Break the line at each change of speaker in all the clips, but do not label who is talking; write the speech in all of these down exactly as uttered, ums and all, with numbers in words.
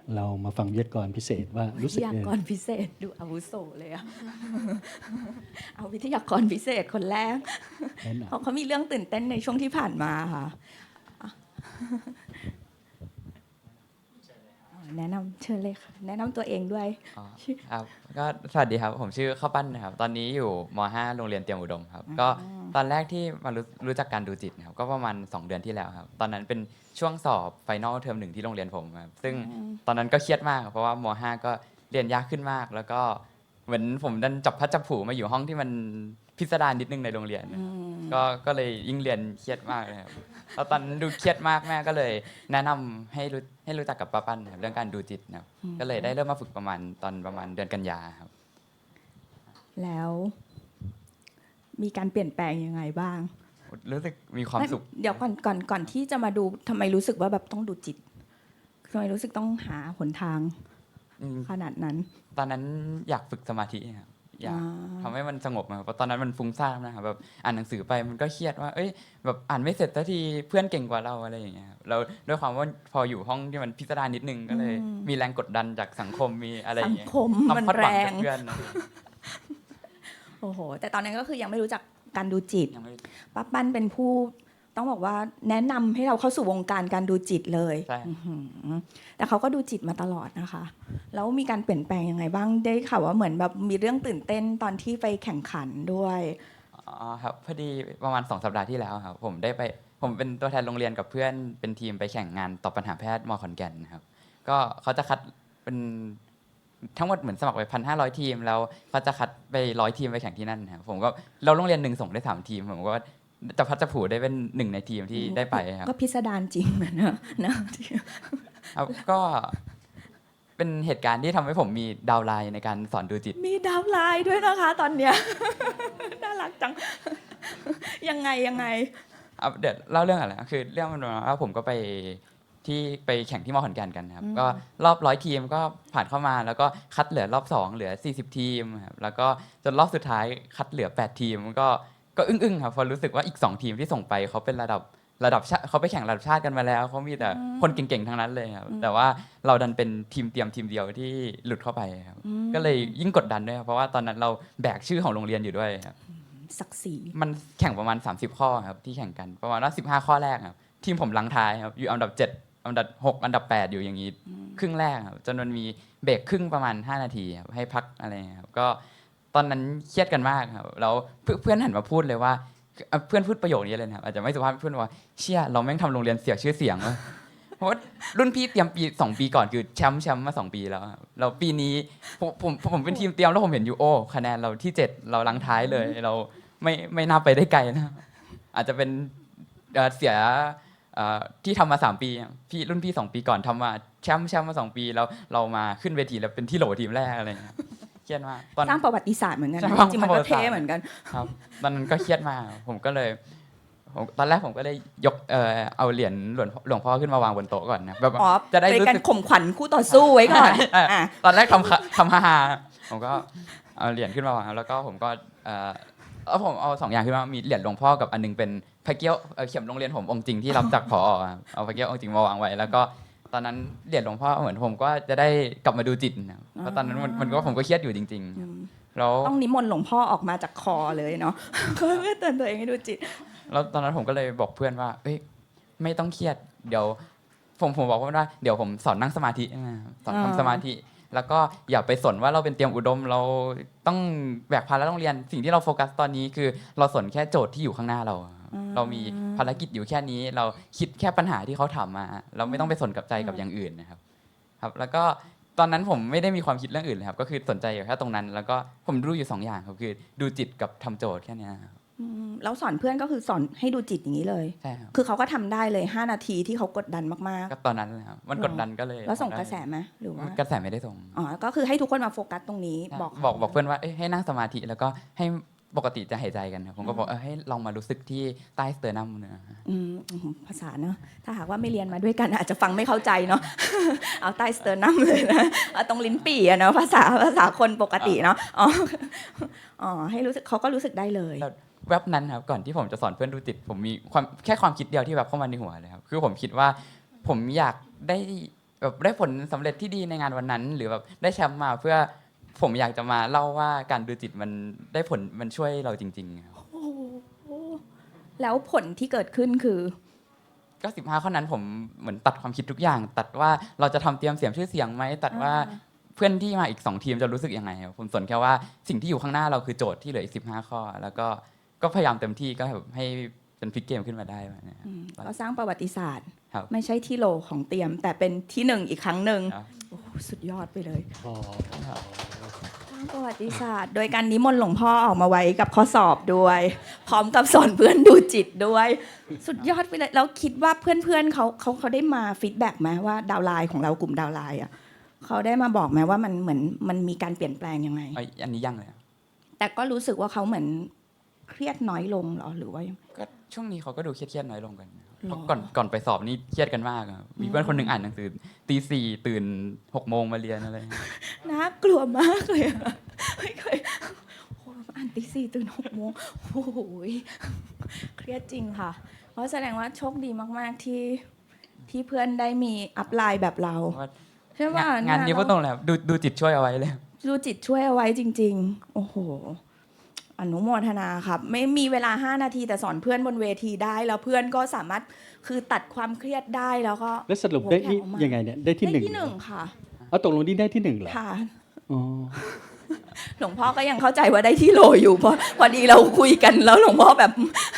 เรามาฟังวิทยากรพิเศษว่ารู้สึก
วิทยากรพิเศษดูอาวุโสเลยอะ เอาวิทยากรพิเศษคนแรก
แนะน
เขาเขามีเรื่องตื่นเต้นในช่วงที่ผ่านมาค่ะอ่ะแนะนำเชิญเลยค่ะแนะนำตัวเองด้วย
อ๋อครับก็สวัสดีครับผมชื่อข้าวปั้นนะครับตอนนี้อยู่ม .ห้า โรงเรียนเตรียมอุดมครับก็ตอนแรกที่มารู้รู้จักการดูจิตนะครับก็ประมาณสองเดือนที่แล้วครับตอนนั้นเป็นช่วงสอบไฟนอลเทอมหนึ่งที่โรงเรียนผมครับซึ่งตอนนั้นก็เครียดมากครับเพราะว่าม .ห้า ก็เรียนยากขึ้นมาก แล้วก็เหมือนผมดันจับพลัดจับผลูมาอยู่ห้องที่มันพิสดารนิดนึงในโรงเรียนนะครับก็ก็เลยยิ่งเรียนเครียดมากเลยครับแล้วตอนนั้นดูเครียดมากแม่ก็เลยแนะนำให้รู้ให้รู้จักกับป้าปั้นนะครับเรื่องการดูจิตนะครับก็เลยได้เริ่มมาฝึกประมาณตอนประมาณเดือนกันยาครับ
แล้วมีการเปลี่ยนแปลงยังไงบ้าง
รู้สึกมีความสุข
เดี๋ยวก่อนก่อนก่อนที่จะมาดูทำไมรู้สึกว่าแบบต้องดูจิตทำไมรู้สึกต้องหาหนทาง
อืม
ขนาดนั้น
ตอนนั้นอยากฝึกสมาธิครับอยาก
อ่า
ทำให้มันสงบนะครับเพราะตอนนั้นมันฟุ้งซ่านนะครับแบบอ่านหนังสือไปมันก็เครียดว่าเอ้ยแบบอ่านไม่เสร็จสักทีเพื่อนเก่งกว่าเราอะไรอย่างเงี้ยครับเราด้วยความว่าพออยู่ห้องที่มันพิสดารนิดนึงก็เลยมีแรงกดดันจากสังคมมีอะไรอ
สั
ย่าง งเงี้ย
คม
ความ
มัน
คาดห
แร
วัง
ง
จากเพื่อนนะ
โอ้โหแต่ตอนนั้นก็คือยังไม่รู้จักการดูจิต
ยังไม่
ป้าปั้นเป็นผู้ต้องบอกว่าแนะนำให้เราเข้าสู่วงการการดูจิตเลย
ใช่
อื้อหือแต่เขาก็ดูจิตมาตลอดนะคะ แล้วมีการเปลี่ยนแปลงยังไงบ้างได้ข่าวว่าเหมือนแบบมีเรื่องตื่นเต้นตอนที่ไปแข่งขันด้วย
อ๋อครับพอดีประมาณสองสัปดาห์ที่แล้วครับผมได้ไปผมเป็นตัวแทนโรงเรียนกับเพื่อนเป็นทีมไปแข่งงานตอบปัญหาแพทย์มขอนแก่นนะครับก็เขาจะคัดเป็นทั้งหมดเหมือนสมัครไปพันห้าร้อยทีมแล้วเขาจะคัดไปร้อยทีมไปแข่งที่นั่นนะครับผมก็เราโรงเรียนหนึ่งส่งได้สามทีมผมก็จะพัดจะผูได้เป็นหนึ่งในทีมที่ได้ไปครับ
ก็พิสดารจริงเหมือนนะนะ
ครับก็เป็นเหตุการณ์ที่ทำให้ผมมีดาวน์ไลน์ในการสอนดูจิต
มีดาวน์ไลน์ด้วยนะคะ ตอนเนี้ย น่ารักจัง ยังไงยังไง
เอาเดี๋ยวเล่าเรื่องอะไรนะคือเรื่องมันมาว่าผมก็ไปที่ไปแข่งที่มอขอนแก่นกันครับ
อืม
ก็รอบร้อยทีมก็ผ่านเข้ามาแล้วก็คัดเหลือรอบสองเหลือสี่สิบทีมครับแล้วก็จนรอบสุดท้ายคัดเหลือแปดทีมก็ก็อึ้งๆครับเพอรู้สึกว่าอีกสองทีมที่ส่งไปเขาเป็นระดับระดับชาเขาไปแข่งระดับชาติกันมาแล้วเขามีแต่คนเก่งๆทั้งนั้นเลยครับแต่ว่าเราดันเป็นทีมเตรียมทีมเดียวที่หลุดเข้าไปครับก็เลยยิ่งกดดันด้วยครับเพราะว่าตอนนั้นเราแบกชื่อของโรงเรียนอยู่ด้วยครับ
ศักดิ์ศรี
มันแข่งประมาณสามสิบข้อครับที่แข่งกันประมาณว่าสิบห้าข้อแรกครับทีมผมลังท้ายครับอยู่อันดับเจ็ดอันดับหกอันดับแปดอยู่อย่างนี้ครึ่งแรกครับจนมันมีเบรกครึ่งประมาณห้านาทีครับให้พักอะไรครับก็ตอนนั้นเครียดกันมากครับแล้วเพื่อนเพื่อนหันมาพูดเลยว่าเอ่อเพื่อนพูดประโยคนี้เลยนะครับอาจจะไม่สุภาพเพื่อนว่าเชี่ยเราแม่งทำโรงเรียนเสียชื่อเสียงว่ะเพราะว่ารุ่นพี่เตรียมปีสองปีก่อนคือแชมป์แชมป์มาสองปีแล้วครับเราปีนี้ผมผมผมเป็นทีมเตรียมแล้วผมเห็นอยู่โอ้คะแนนเราที่เจ็ดเราลังท้ายเลยเรา ไม่ไม่น่าไปได้ไกลนะอาจจะเป็นเอ่อเสียเอ่อที่ทำมาสามปีพี่รุ่นพี่สองปีก่อนทำมาแชมป์แชมป์มาสองปีแล้วเรามาขึ้นเวทีแล้วเป็นที่โหลทีมแรกอะไรเงี้ยเครียดมากตอน
สร้างประวัติศาสตร์เหมือนกัน
ใช่
นะ
สร้าง
จริงๆมัน
ประ
ก็
วัติศาสตร์
เท่เหมือนกัน
ครับตอนนั้นก็เครียดมากผมก็เลยผมตอนแรกผมก็เลยยกเอ่อเอาเหรียญหลวงหลวงพ่อขึ้นมาวางบนโต๊ะก่อนนะแบบ
อ๋อ
จะได้
เป็น
รู้
การ
สึก
ข่มขวัญคู่ต่อสู้ไว้ก่อน
ใช่
อ่ะ
ตอนแรกทำค่ะทำฮาๆผมก็เอาเหรียญขึ้นมาวางแล้วก็ผมก็เอ่อเอาผมเอาสองอย่างขึ้นมามีเหรียญหลวงพ่อกับอันนึงเป็นพระเกี้ยวเอ่อเข็มโรงเรียนผมองค์จริงที่รับจากผอครับเอาพระเกี้ยวองค์จริงมาวางไว้แล้วก็ตอนนั้นเหรียญหลวงพ่อเหมือนผมก็จะได้กลับมาดูจิตนะเพราะตอนนั้นมันมันก็ผมก็เครียดอยู่จริงๆแล้ว
ต้องนิมนต์หลวงพ่อออกมาจากคอเลยเนาะ เพื่อเตือนตัวเองให้ดูจิต
แล้วตอนนั้นผมก็เลยบอกเพื่อนว่าเอ้ยไม่ต้องเครียดเดี๋ยวผมผมบอกเพื่อนว่าเดี๋ยวผมสอนนั่งสมาธินะครับสอน
อ่า
ทำสมาธิ แล้วก็อย่าไปสนว่าเราเป็นเตรียมอุดม เราต้องแบกภาระโรงเรียนสิ่งที่เราโฟกัสตอนนี้คือเราสนแค่โจทย์ที่อยู่ข้างหน้าเราครับเรามีภารกิจอยู่แค่นี้ เราคิดแค่ปัญหาที่เขาถามมา เราไม่ต้องไปสนกับใจกับอย่างอื่นนะครับครับ แล้วก็ตอนนั้นผมไม่ได้มีความคิดเรื่องอื่นเลยครับก็คือสนใจอยู่แค่ตรงนั้น แล้วก็ผมดูอยู่สองอย่างครับคือดูจิตกับทำโจทย์แค่เนี้ยครับ
อืมแล้วสอนเพื่อนก็คือสอนให้ดูจิตอย่างนี้เลย
ใช่ครับ
คือเขาก็ทำได้เลยห้านาทีที่เขากดดันมาก
ก็ตอนนั้นเลยครับมันกดดันก็เลย
ๆ แล้วส่งกระแสไหมหรือว่า
กระแสไม่ได้ส่ง
อ๋อ ก็คือให้ทุกคนมาโฟกัสตรงนี้บอก
บอกบอกเพื่อนว่าเอ้ยให้นั่งสมาธิแล้วก็ให้ปกติจะหายใจกันครับผมก็บอกเออให้ลองมารู้สึกที่ใต้สเตอร์นัมเนอะ
อืมอืมภาษาเนอะถ้าหากว่าไม่เรียนมาด้วยกันอาจจะฟังไม่เข้าใจเนาะ เอาใต้สเตอร์นัมเลยนะเอาตรงลิ้นปี่อะเนาะภาษาภาษาคนปกติเนาะ อ๋อ อ๋อ ให้รู้สึกเขาก็รู้สึกได้เลย
แล้วแว็บนั้นครับก่อนที่ผมจะสอนเพื่อนดูจิตผมมีความแค่ความคิดเดียวที่แบบเข้ามาในหัวเลยครับคือผมคิดว่าผมอยากได้แบบได้ผลสำเร็จที่ดีในงานวันนั้น หรือแบบได้แชมป์มาเพื่อผมอยากจะมาเล่าว่าการดูจิตมันได้ผลมันช่วยเราจริงๆครับ
โอ้โหแล้วผลที่เกิดขึ้นคือ
ก็สิบห้าข้อนั้นผมเหมือนตัดความคิดทุกอย่าง ตัดว่าเราจะทำเตรียมเสียงชื่อเสียงไหมตัดว่า
อ่า
เพื่อนที่มาอีกสองทีมจะรู้สึกยังไงครับผมสนแค่ว่าสิ่งที่อยู่ข้างหน้าเราคือโจทย์ที่เหลืออีกสิบห้าข้อ แล้วก็ก็พยายามเต็มที่ก็แบบให้เป็นพลิกเกมขึ้นมาได้แบบนี้ครับ
อืมก็สร้างประวัติศาสตร์
ครับ
ไม่ใช่ที่โหลของเตรียม แต่เป็นที่หนึ่งอีกครั้งหนึ่ง
ครับ
โอ้โหสุดยอดไปเลย
อ๋อ
สร้างประวัติศาสตร์ โดยการนิมนต์หลวงพ่อออกมาไว้กับข้อสอบด้วย พร้อมกับสอนเพื่อนดูจิตด้วย สุดยอดไปเลยแล้วคิดว่าเพื่อนๆเขาเขาเขาได้มาฟีดแบ็กไหมว่าดาวน์ไลน์ของเรากลุ่มดาวน์ไลน์อ่ะเขาได้มาบอกไหมว่ามันเหมือนมันมีการเปลี่ยนแปลงยังไง
เอ้ยอันนี้ยังเลยครับ
แต่ก็รู้สึกว่าเขาเหมือนเครียดน้อยลงเหรอหรือว่ายัง
ก็ช่วงนี้เขาก็ดูเครียดๆน้อยลงกันนะครับ
หรอ
เพราะก่อนก่อนไปสอบนี่เครียดกันมากครับมีเพื่อนคนหนึ่งอ่านหนังสือตีสี่ตื่นหกโมงมาเรียนอะไรอย่างเงี้ย
น่ากลัวมากเลยอะไม่เคยโอ้อ่านตีสี่ตื่นหกโมงโอ้โหเครียดจริงค่ะ เพราะแสดงว่าโชคดีมากๆที่ที่เพื่อนได้มีอัพไลน์แบบเรา
ว่า
ใช่ป่ะ
งานนี้พูดตรงเลยครับดูดูจิตช่วยเอาไว้เลย
ดูจิตช่วยเอาไว้จริง ๆ โอ้โห อนุโมทนาครับ ไม่มีเวลาห้านาทีแต่สอนเพื่อนบนเวทีได้ แล้วเพื่อนก็สามารถคือตัดความเครียดได้แล้วก็
แล้วสรุปได้ที่
โอ้โหแผ่ออกมา
ยังไงเนี่ยได้ที่ห
ได้
นึ่ง
ที่หนึ่งค่ะ
เอาตกลงนี่ได้ที่หนึ่งเหรอ
ค่ะ
อ๋อ
หลวงพ่อก็ยังเข้าใจว่าได้ที่โหลอยู่เพราะพอดีเราคุยกันแล้วหลวงพ่อแบบ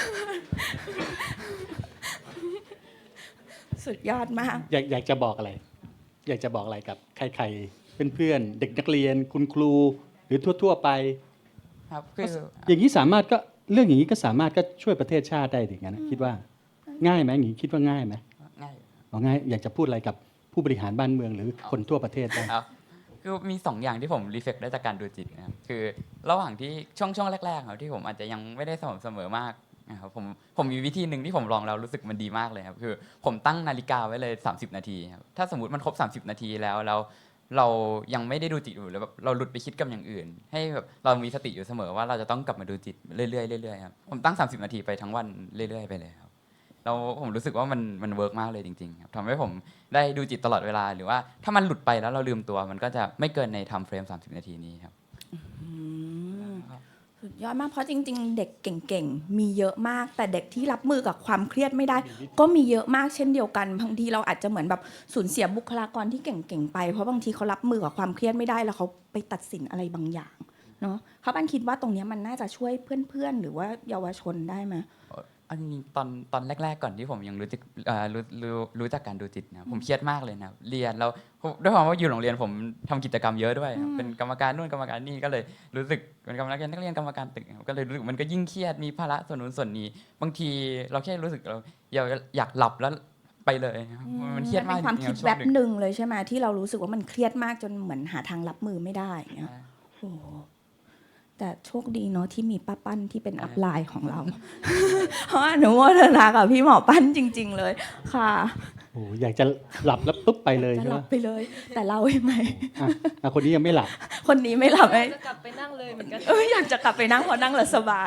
สุดยอดมาก
อยากอยากจะบอกอะไร อยากจะบอกอะไรกับใครๆเพื่อนๆเด็กนักเรียนคุณครูหรือทั่ว ๆ ไป
ครับคือ
อย่างนี้สามารถก็เรื่องอย่างนี้ก็สามารถก็ช่วยประเทศชาติได้ถึงนั้นนะคิดว่าง่ายไหมอย่างนี้คิดว่าง่ายไหม
ง่าย
อ๋อง่ายอยากจะพูดอะไรกับผู้บริหารบ้านเมืองหรือคนทั่วประเทศบ้าง
ครับคือมีสองอย่างที่ผมรีเฟกได้จากการดูจิตนะครับคือระหว่างที่ช่วงช่วงแรกๆครับที่ผมอาจจะยังไม่ได้สม่ำเสมอมากนะครับผมผมมีวิธีหนึ่งที่ผมลองแล้วรู้สึกมันดีมากเลยครับคือผมตั้งนาฬิกาไว้เลยสามสิบนาทีครับถ้าสมมติมันครบสามสิบนาทีแล้วแล้วเรายังไม่ได้ดูจิตอยู่หรือแบบเราหลุดไปคิดกับอย่างอื่น ให้แบบเรามีสติอยู่เสมอว่าเราจะต้องกลับมาดูจิตเรื่อยๆเรื่อยๆครับผมตั้งสามสิบนาทีไปทั้งวันเรื่อยๆไปเลยครับแล้วผมรู้สึกว่ามันมันเวิร์กมากเลยจริงๆครับทำให้ผมได้ดูจิตตลอดเวลาหรือว่าถ้ามันหลุดไปแล้วเราลืมตัวมันก็จะไม่เกินในไทม์เฟรมสามสิบนาทีนี้ครับ
อืมสุดยอดมากเพราะจริง ๆ เด็กเก่งๆ มีเยอะมาก แต่เด็กที่รับมือกับความเครียดไม่ได้ ก็มีเยอะมากเช่นเดียวกันบางทีเราอาจจะเหมือนแบบสูญเสียบุคลากรที่เก่งๆไปเพราะบางทีเขารับมือกับความเครียดไม่ได้แล้วเขาไปตัดสินอะไรบางอย่างเนาะเขาบ้านคิดว่าตรงเนี้ยมันน่าจะช่วยเพื่อนๆ หรือว่าเยาวชนได้ไหม
อันนี้ตอนตอนแรกๆก่อนที่ผมยังรู้จักเอ่อรู้รู้รู้จักการดูจิตนะผมเครียดมากเลยนะเรียนแล้วด้วยความว่าอยู่โรงเรียนผมทำกิจกรรมเยอะด้วยครับเป็นกรรมการนู่นกรรมการนี่ก็เลยรู้สึกเป็นกรรมการนักเรียนกรรมการตึกครับก็เลยรู้สึกมันก็ยิ่งเครียดมีภาระส่วนนู้นส่วนนี้บางทีเราแค่รู้สึกเราอยากอยากหลับแล้วไปเลยครับมันเครียดมาก
เป็นความคิด
จริงๆช่
แบ
วง
บ
หนึ่ง
หนึ่งเลยใช่ไหมที่เรารู้สึกว่ามันเครียดมากจนเหมือนหาทางรับมือไม่ได้อย่างเงี้ยโอ้โหแต่โชคดีเนาะที่มีป้าปั้นที่เป็นอัพไลน์ของเรา เพราะอนุโมทนากับพี่หมอปั้นจริง ๆ เลยค่ะ
โอ้อยากจะหลับแล้วปุ๊บไปเลย
จะ
ใช่
ห
ไหม
ลับไปเลย แต่เราใช่ไหม
อ่ะอ่ะคนนี้ยังไม่หลับ
คนนี้ไม่หลับไหม
จะกลับไปนั่งเลยเหมือนกัน
เอออยากจะกลับไปนั่งเพอนั่งแล้วสบาย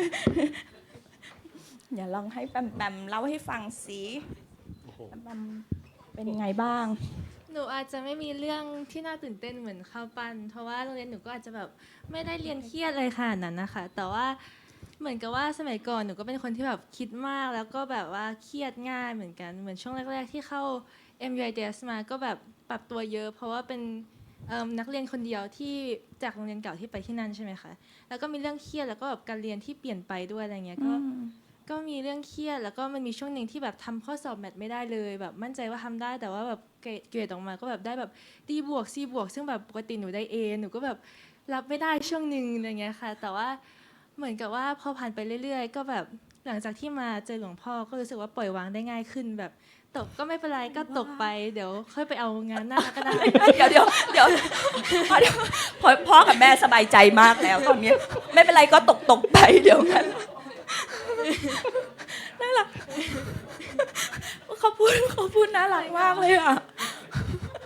อย่าลองให้แปมแปมเล่าให้ฟังสิแปมแปมเป็นไงบ้าง
หนูอาจจะไม่มีเรื่องที่น่าตื่นเต้นเหมือนข้าวปั้นเพราะว่าโรงเรียนหนูก็อาจจะแบบไม่ได้เรียนเครียดอะไรขนาดนั้นนะคะแต่ว่าเหมือนกับว่าสมัยก่อนหนูก็เป็นคนที่แบบคิดมากแล้วก็แบบว่าเครียดง่ายเหมือนกันเหมือนช่วงแรก ๆ ที่เข้า เอ็ม ยู ไอ ดี เอส มาก็แบบปรับตัวเยอะ เพราะว่าเป็นเอิ่มนักเรียนคนเดียวที่จากโรงเรียนเก่าที่ไปที่นั่นใช่ไหมคะแล้วก็มีเรื่องเครียดแล้วก็แบบการเรียนที่เปลี่ยนไปด้วยอะไรเงี้ยก็ ก็มีเรื่องเครียดแล้วก็มันมีช่วงหนึ่งที่แบบทำข้อสอบแมทไม่ได้เลยแบบมั่นใจว่าทำได้แต่ว่าแบบเกรดเกรดออกมาก็แบบได้แบบดีบวกซีบวกซึ่งแบบปกติหนูได้ A หนูก็แบบรับไม่ได้ช่วงหนึ่งอะไรเงี้ยค่ะแต่ว่าเหมือนกับว่าพอผ่านไปเรื่อยๆก็แบบหลังจากที่มาเจอหลวงพ่อก็รู้สึกว่าปล่อยวางได้ง่ายขึ้นแบบตกก็ไม่เป็นไรก็ตกไปเดี๋ยวค่อยไปเอางานหน้าก็ได้
เดี๋ยวเดี๋ยวเดี๋ยวพอพอพ่อกับแม่สบายใจมากแล้วตอนนี้ไม่เป็นไรก็ตกตกไปเดี๋ยวกันน่ารักเขาพูดเขาพูดน่ารักมากเลยอ่ะ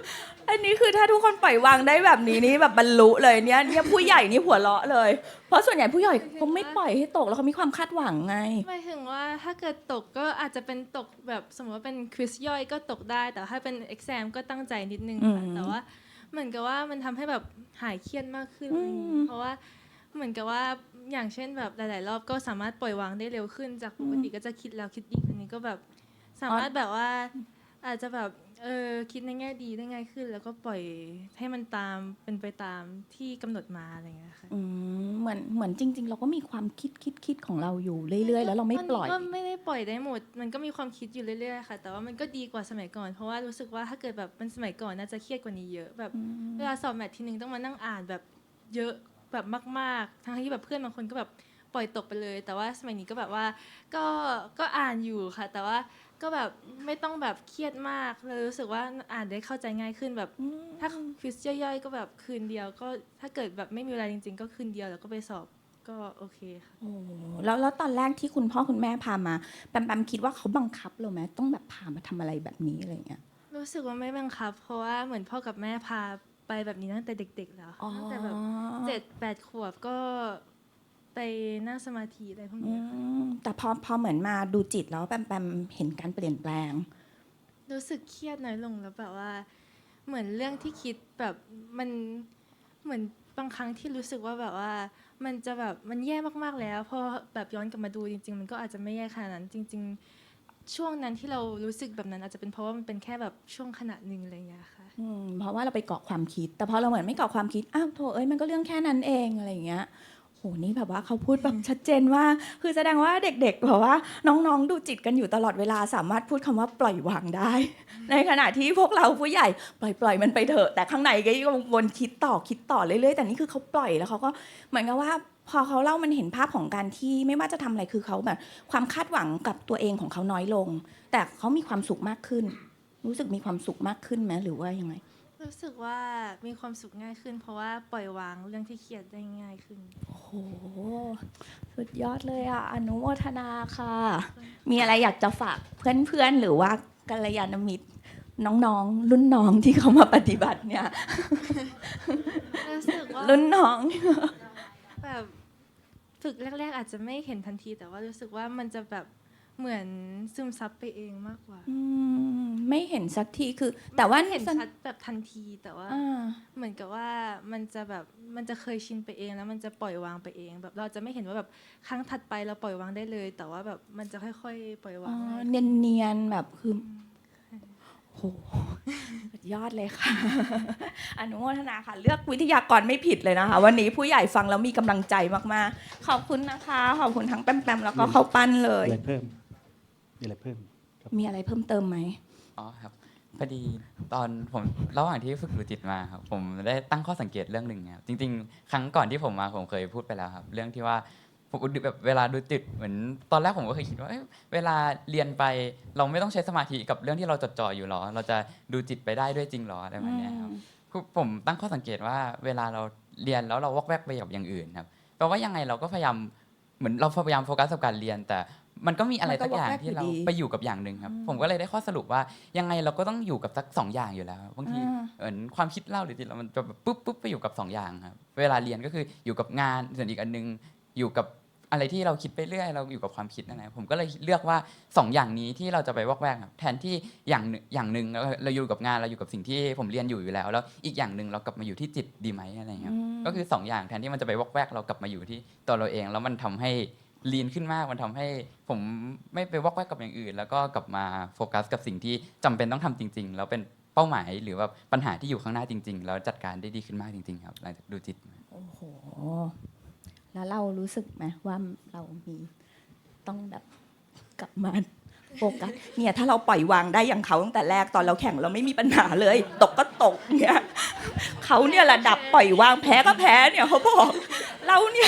อันนี้คือถ้าทุกคนปล่อยวางได้แบบนี้นี่แบบบรรลุเลยเนี่ยเนี่ยผู้ใหญ่นี่หัวเราะเลย เพราะส่วนใหญ่ผู้ใหญ่เขาไม่ปล่อยให้ตกแล้วเขามีความคาดหวังไง
หมายถึงว่าถ้าเกิดตกก็อาจจะเป็นตกแบบสมมติว่าเป็นควิสย่อยก็ตกได้ แต่ถ้าเป็น exam ก็ตั้งใจนิดนึงค่ะ
อืม
แต่ว่าเหมือนกับว่ามันทำให้แบบหายเครียดมากขึ้น
อืม
เพราะว่าเหมือนกับว่าอย่างเช่นแบบหลาย ๆ รอบก็สามารถปล่อยวางได้เร็วขึ้น จากปกติก็จะคิดแล้วคิดอีกอันนี้ก็แบบสามารถแบบว่าอาจจะแบบเออคิดในแง่ดีได้ง่ายขึ้น แล้วก็ปล่อยให้มันตามเป็นไปตามที่กำหนดมาอะไรอย่างเงี้ยค่ะ
อืมเหมือนเหมือนจริง ๆ เราก็มีความคิดคิดคิดของเราอยู่เรื่อยๆ แล้วเราไม่ปล่อย
มันก็ไม่ได้ปล่อยได้หมด มันก็มีความคิดอยู่เรื่อยๆ ค่ะ แต่ว่ามันก็ดีกว่าสมัยก่อน เพราะว่ารู้สึกว่าถ้าเกิดแบบเป็นสมัยก่อนน่าจะเครียดกว่านี้เยอะ แบบเวลาสอบแมททีนึงต้องมานั่งอ่านแบบเยอะแบบมากๆ ทั้งที่แบบเพื่อนบางคนก็แบบปล่อยตกไปเลย แต่ว่าสมัยนี้ก็แบบว่าก็ก็อ่านอยู่ค่ะ แต่ว่าก็แบบไม่ต้องแบบเครียดมากเลยรู้สึกว่าอ่านได้เข้าใจง่ายขึ้นแบบถ้าควิสย่อยๆ ก็แบบคืนเดียว ก็ถ้าเกิดแบบไม่มีเวลาจริง ๆ ก็คืนเดียวแล้วก็ไปสอบก็โอเคค่ะ
โอ้แล้วแล้วตอนแรกที่คุณพ่อคุณแม่พามาแปมแปมคิดว่าเขาบังคับเราไหมต้องแบบพามาทำอะไรแบบนี้อะไรเงี้ย
รู้สึกว่าไม่บังคับ เพราะว่าเหมือนพ่อกับแม่พาไปแบบนี้ตั้งแต่เด็ก ๆ แล้ว
อ๋อ
ตั้งแต่แบบเจ็ดแปดขวบก็ไปนั่งสมาธิอะไรพวก
อื
นี้ค่ะ
มแต่พอพอเหมือนมาดูจิตแล้วแปมแปมเห็นการเปลี่ยนแปลง
รู้สึกเครียดน้อยลงแล้วแบบว่าเหมือนเรื่องที่คิดแบบมันเหมือนบางครั้งที่รู้สึกว่าแบบว่ามันจะแบบมันแย่มากๆแล้วพอแบบย้อนกลับมาดูจริง ๆ มันก็อาจจะไม่แย่ขนาดนั้น จริง ๆ ช่วงนั้นที่เรารู้สึกแบบนั้นอาจจะเป็นเพราะว่ามันเป็นแค่แบบช่วงขณะหนึ่งอะไรอย่างเงี้ยค่ะ
อืมเพราะว่าเราไปเกาะความคิด แต่พอเราเหมือนไม่เกาะความคิดอ้าวโถเอ้ยมันก็เรื่องแค่นั้นเองอะไรอย่างเงี้ยโหนี่แบบว่าเขาพูดแบบชัดเจนว่า คือแสดงว่าเด็กๆแบบว่าน้องๆดูจิตกันอยู่ตลอดเวลาสามารถพูดคำว่าปล่อยวางได้ ในขณะที่พวกเราผู้ใหญ่ปล่อยปล่อยมันไปเถอะแต่ข้างในก็ยังวนคิดต่อคิดต่อเรื่อยๆแต่นี่คือเขาปล่อยแล้วเขาก็เหมือนกับว่า พอเขาเล่ามันเห็นภาพของการที่ไม่ว่าจะทำอะไรคือเขาแบบความคาดหวังกับตัวเองของเขาน้อยลง แต่เขามีความสุขมากขึ้น รู้สึกมีความสุขมากขึ้นไหมหรือว่ายังไง
รู้สึกว่ามีความสุขง่ายขึ้น เพราะว่าปล่อยวางเรื่องที่เครียดได้ง่ายขึ้น
โอ้โหสุดยอดเลยอ่ะอนุโมทนาค่ะ มีอะไรอยากจะฝากเพื่อนๆหรือว่ากัลยาณมิตรน้องๆ รุ่นน้องที่เขามาปฏิบัติเนี่ย
รู้สึกว่า
รุ่นน้อง
แบบฝึกแรก ๆ อาจจะไม่เห็นทันที แต่ว่ารู้สึกว่ามันจะแบบเหมือนซึมซับไปเองมากกว่า
อืมไม่เห็นสักทีคือ แต่ว่า
เห็นชัดแบบทันทีแต่ว่า
อ่า
เหมือนกับว่ามันจะแบบมันจะเคยชินไปเองแล้วมันจะปล่อยวางไปเอง แบบเราจะไม่เห็นว่าแบบครั้งถัดไปเราปล่อยวางได้เลย แต่ว่าแบบมันจะค่อยๆ ปล่อยวา
อ๋
ง
อ
ง่าย
เนียนเนียนๆแบบคือโหสุดยอดเลยค่ะ อนุโมทนาค่ะ เลือกวิทยากรไม่ผิดเลยนะคะ วันนี้ผู้ใหญ่ฟังแล้วมีกำลังใจมากๆ ขอบคุณนะคะ ขอบคุณทั้งแปมๆแล้วก็เข้าปั้นเลย
อะไรเพิ่มมีอะไรเพิ่มครับ
มีอะไรเพิ่มเติมไหม
อ๋อครับพอดีตอนผมระหว่างที่ฝึกดูจิตมาครับผมได้ตั้งข้อสังเกตเรื่องหนึ่งครับจริงๆ ครั้งก่อนที่ผมมาผมเคยพูดไปแล้วครับเรื่องที่ว่าผมแบบเวลาดูจิตเหมือนตอนแรกผมก็เคยคิดว่าเอ้ยเวลาเรียนไปเราไม่ต้องใช้สมาธิกับเรื่องที่เราจดจ่ออยู่หรอ เราจะดูจิตไปได้ด้วยจริงหรออะไรแบบเนี้ยครับคือผมตั้งข้อสังเกตว่าเวลาเราเรียนแล้วเราวอกแวกไปกับอย่างอื่นครับแปลว่ายังไงเราก็พยายามเหมือนเราพยายามโฟกัสกับการเรียนแต่มันก็มีอะไรสักอย่างที่เราไปอยู่กับอย่างหนึ่งครับผมก็เลยได้ข้อสรุปว่ายังไงเราก็ต้องอยู่กับสักสองอย่างอยู่แล้วบางที
อ่า
เหมือนความคิดเล่าหรือจิตเรามันจะแบบปุ๊บปุ๊บไปอยู่กับสองอย่างครับเวลาเรียนก็คืออยู่กับงานส่วนอีกอันนึงอยู่กับอะไรที่เราคิดไปเรื่อยเราอยู่กับความคิดนั่นแหละผมก็เลยเลือกว่าสองอย่างนี้ที่เราจะไปวอกแวกครับแทนที่อย่างหนึ่งอย่างหนึ่งเราเราอยู่กับงานเราอยู่กับสิ่งที่ผมเรียนอยู่อยู่แล้วแล้วอีกอย่างหนึ่งเรากลับมาอยู่ที่จิตดีไหมอะไรเงี้ยครับก็คือสองอย่างแทนที่มันจะไปวอกแวกเรากลับมาอยู่ที่ตัวเราเองแล้วมันทำให้ลีนขึ้นมากมันทำให้ผมไม่ไปวอกแวกกับอย่างอื่น แล้วก็กลับมาโฟกัสกับสิ่งที่จำเป็นต้องทำจริง ๆ แล้วเป็นเป้าหมายหรือว่าปัญหาที่อยู่ข้างหน้าจริง ๆ แล้วจัดการได้ดีขึ้นมากจริง ๆ ครับหลังจากดูจิต
โอ้โห แล้วเรารู้สึกไหมว่าเรามีต้องแบบกลับมาโฟกัสเนี่ยถ้าเราปล่อยวางได้อย่างเขาตั้งแต่แรกตอนเราแข่งเราไม่มีปัญหาเลย ตกก็ตกเนี่ยเขาเนี่ยระดับปล่อยวางแพ้ก็แพ้เนี่ยเขาบอกเราเนี่ย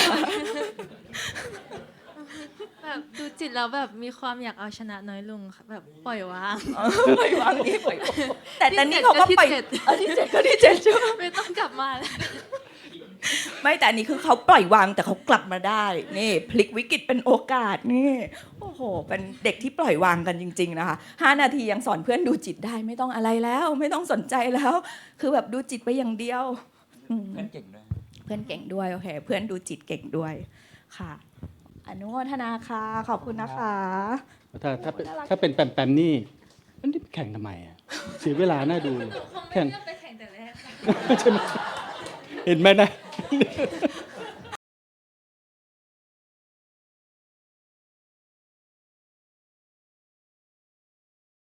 แบบดูจิตแล้วแบบมีความอยากเอาชนะน้อยลงค่ะแบบปล่อยวาง
ปล่อยวางนี่ปล่อยวางแต่แต่นี่เขาก็
ที่
ปล่อย
เจ็ด
เออที่เจ็ดก็ที่เจ็ดใช่ไหม
ไม่ต้องกลับมาแล้ว
ไม่แต่อันนี้คือเขาปล่อยวางแต่เขากลับมาได้นี่พลิกวิกฤตเป็นโอกาสนี่โอ้โหเป็นเด็กที่ปล่อยวางกันจริงๆนะคะห้านาทียังสอนเพื่อนดูจิตได้ไม่ต้องอะไรแล้ว ไม่ต้องสนใจแล้ว คือแบบดูจิตไปอย่างเดียวอืม
เพื่อนเก่งด้วย
เพื่อนเก่งด้วยโอเคเพื่อนดูจิตเก่งด้วยค่ะอนุโมทนาค่ะขอบคุณนะคะ
ถ้าถ้าเป็นถ้าเป็นแปมๆนี่มันนี่แข่งทำไมอ่ะเสียเวลาน่าดูเลย
คงไม่
แข่ง
เลือกไปแข่งแต่แรกค่ะ
ใช่ไหมเห็นไหมนะ